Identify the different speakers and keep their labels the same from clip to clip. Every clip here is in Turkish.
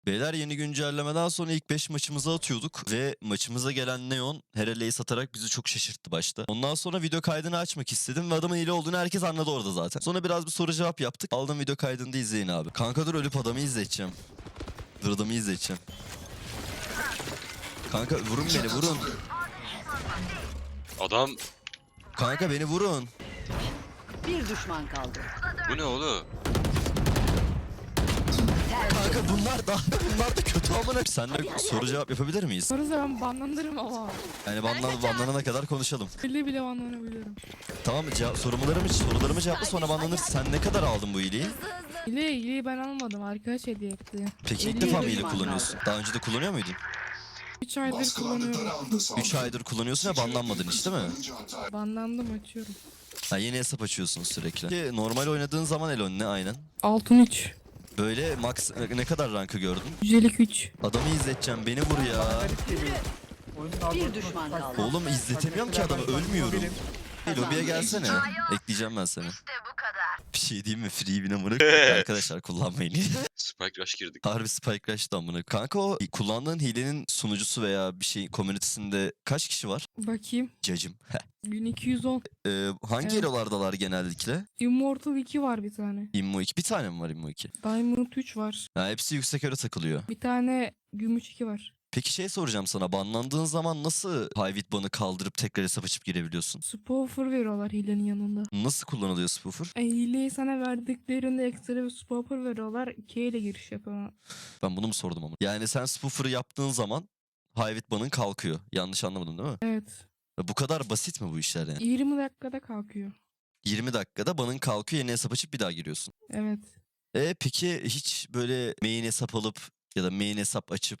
Speaker 1: Beyler yeni güncellemeden sonra ilk 5 maçımızı atıyorduk ve maçımıza gelen Neon Herale'yi satarak bizi çok şaşırttı başta. Ondan sonra video kaydını açmak istedim ve adamın hile olduğunu herkes anladı orada zaten. Sonra biraz bir soru cevap yaptık. Aldım video kaydını da izleyin abi. Kanka dur ölüp adamı izleteceğim. Dur adamı izleteceğim. Kanka vurun beni vurun.
Speaker 2: Adam
Speaker 1: Kanka beni vurun.
Speaker 3: Bir düşman kaldı.
Speaker 2: bu ne oğlum?
Speaker 1: Kanka bunlar da kötü amına. Seninle soru cevap yapabilir miyiz?
Speaker 4: Sonra ben banlanırım ama.
Speaker 1: Yani banlanana kadar konuşalım.
Speaker 4: Bile banlanabiliyorum.
Speaker 1: Tamam mı? Sorularımı cevapla sonra banlanırsın. Sen ne kadar aldın bu hileyi?
Speaker 4: Hileyi ben almadım. Arkadaş hediye etti.
Speaker 1: Peki ilk
Speaker 3: 50
Speaker 1: defa mı hile
Speaker 3: düşman
Speaker 1: kullanıyorsun? Daha önce de kullanıyor muydun?
Speaker 4: 3 aydır kullanıyorum.
Speaker 1: 3 aydır kullanıyorsun ve banlanmadın hiç değil mi?
Speaker 4: Banlandım açıyorum.
Speaker 1: Ha, yeni hesap açıyorsun sürekli. Ki normal oynadığın zaman Elon ne aynen?
Speaker 4: Altın 3.
Speaker 1: Böyle max ne kadar rankı gördün?
Speaker 4: Yücelik 3.
Speaker 1: Adamı izleteceğim beni vur ya.
Speaker 3: Bir düşman kaldı.
Speaker 1: Oğlum izletemiyorum ki adamı ölmüyorum. Lobiye gelsene. Ekleyeceğim ben seni. Bir şey diyeyim mi? Free win amına koyayım. Arkadaşlar kullanmayın.
Speaker 2: Spike Rush girdik.
Speaker 1: Harbi Spike Rush'tı amına. Kanka o kullandığın hilenin sunucusu veya bir şey komünitesinde kaç kişi var?
Speaker 4: Bakayım.
Speaker 1: Cacım.
Speaker 4: 1210.
Speaker 1: Hangi
Speaker 4: Evet.
Speaker 1: hero'lardalar genellikle?
Speaker 4: Immortal 2 var bir tane.
Speaker 1: Immo 2. Bir tane mi var Immo 2?
Speaker 4: Diamond 3 var.
Speaker 1: Ha, hepsi yüksek hero takılıyor.
Speaker 4: Bir tane gümüş 2 var.
Speaker 1: Peki şey soracağım sana. Banlandığın zaman nasıl Hivit banı kaldırıp tekrar hesap açıp girebiliyorsun?
Speaker 4: Spoofer veriyorlar hilenin yanında.
Speaker 1: Nasıl kullanılıyor Spoofer?
Speaker 4: Hileyi sana verdiklerinde ekstra bir spoofer veriyorlar. 2 ile giriş yapıyorlar.
Speaker 1: Ben bunu mu sordum ama? Yani sen Spoofer'ı yaptığın zaman Hivit banın kalkıyor. Yanlış anlamadım değil mi?
Speaker 4: Evet.
Speaker 1: Bu kadar basit mi bu işler yani?
Speaker 4: 20 dakikada kalkıyor.
Speaker 1: 20 dakikada banın kalkıyor, yeni hesap açıp bir daha giriyorsun.
Speaker 4: Evet.
Speaker 1: Peki hiç böyle main hesap alıp ya da main hesap açıp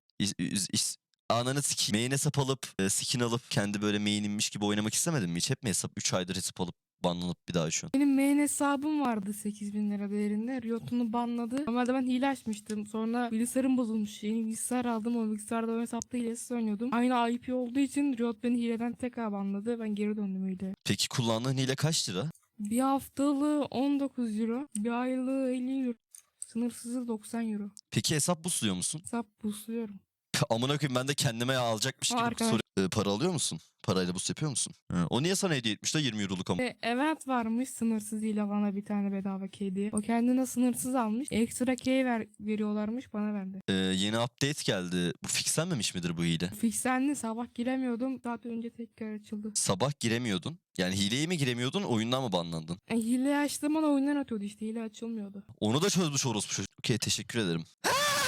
Speaker 1: ananı sikeyim. Main hesap alıp skin alıp kendi böyle main'inmiş gibi oynamak istemedin mi hiç? Hep mi hesap 3 aydır hesap alıp banlanıp bir daha açıyorsun?
Speaker 4: Benim main hesabım vardı 8.000 lira değerinde. Riot'unu banladı. Normalde ben hile açmıştım. Sonra bilgisayarım bozulmuş. Yeni bilgisayar aldım. O bilgisayarda o hesapta hilesiz oynuyordum. Aynı IP olduğu için Riot beni hileden tekrar banladı. Ben geri döndüm hileye.
Speaker 1: Peki kullandığın hile kaç lira?
Speaker 4: Bir haftalığı 19 euro. Bir aylığı 50 euro. Sınırsızı 90 euro.
Speaker 1: Peki hesap busluyor musun?
Speaker 4: Hesap boostluyorum.
Speaker 1: Amına koyayım ben de kendime alacakmış gibi
Speaker 4: Arkadaş.
Speaker 1: soru. Para alıyor musun? Parayla boost yapıyor musun? Ha, o niye sana hediye etmiş de 20 euroluk ama?
Speaker 4: Event varmış sınırsız hile bana bir tane bedava key diye. O kendine sınırsız almış. Ekstra key veriyorlarmış bana verdi.
Speaker 1: Yeni update geldi. Bu fixlenmemiş midir bu hile?
Speaker 4: Fixlendi sabah giremiyordum. Saat önce tekrar açıldı.
Speaker 1: Sabah giremiyordun. Yani hileye mi giremiyordun, oyundan mı banlandın?
Speaker 4: Hile açtığım an oyundan atıyordu işte. Hile açılmıyordu.
Speaker 1: Onu da çözmüş orospu çocuk. Okey teşekkür ederim.